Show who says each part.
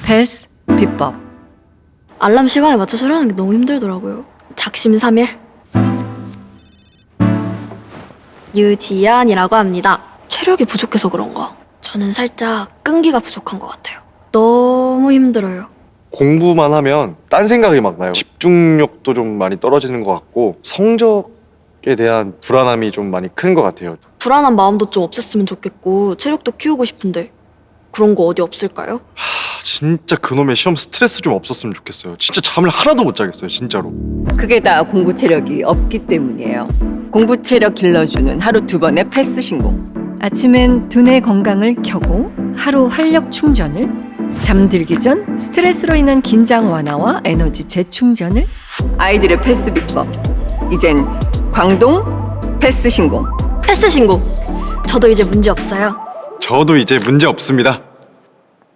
Speaker 1: 패스 비법.
Speaker 2: 알람 시간에 맞춰서 일어나는 게 너무 힘들더라고요. 작심삼일. 유지연이라고 합니다. 체력이 부족해서 그런가? 저는 살짝 끈기가 부족한 것 같아요. 너무 힘들어요.
Speaker 3: 공부만 하면 딴 생각이 막 나요. 집중력도 좀 많이 떨어지는 것 같고 성적에 대한 불안함이 좀 많이 큰 것 같아요.
Speaker 2: 불안한 마음도 좀 없앴으면 좋겠고 체력도 키우고 싶은데 그런 거 어디 없을까요?
Speaker 3: 진짜 그놈의 시험 스트레스 좀 없었으면 좋겠어요. 진짜 잠을 하나도 못 자겠어요, 진짜로.
Speaker 1: 그게 다 공부 체력이 없기 때문이에요. 공부 체력 길러주는 하루 2번의 패스 신공. 아침엔 두뇌 건강을 켜고 하루 활력 충전을, 잠들기 전 스트레스로 인한 긴장 완화와 에너지 재충전을. 아이들의 패스 비법. 이젠 광동 패스 신공.
Speaker 2: 패스 신고. 저도 이제 문제 없어요.
Speaker 3: 저도 이제 문제 없습니다.